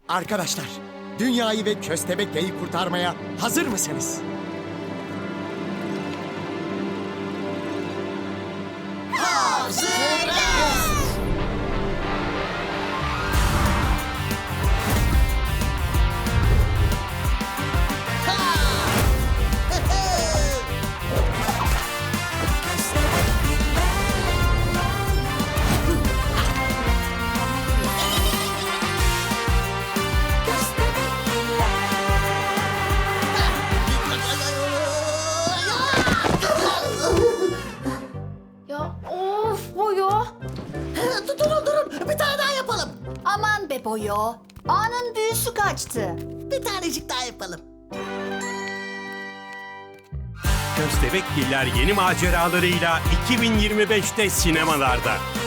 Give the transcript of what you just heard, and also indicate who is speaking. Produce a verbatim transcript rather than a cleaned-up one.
Speaker 1: Arkadaşlar, dünyayı ve Köstebekli'yi kurtarmaya hazır mısınız?
Speaker 2: Ya of Boyo.
Speaker 3: Durun durun bir tane daha yapalım.
Speaker 2: Aman be Boyo. Anın büyüsü kaçtı.
Speaker 3: Bir tanecik daha yapalım.
Speaker 4: Köstebekgiller yeni maceralarıyla iki bin yirmi beşte sinemalarda.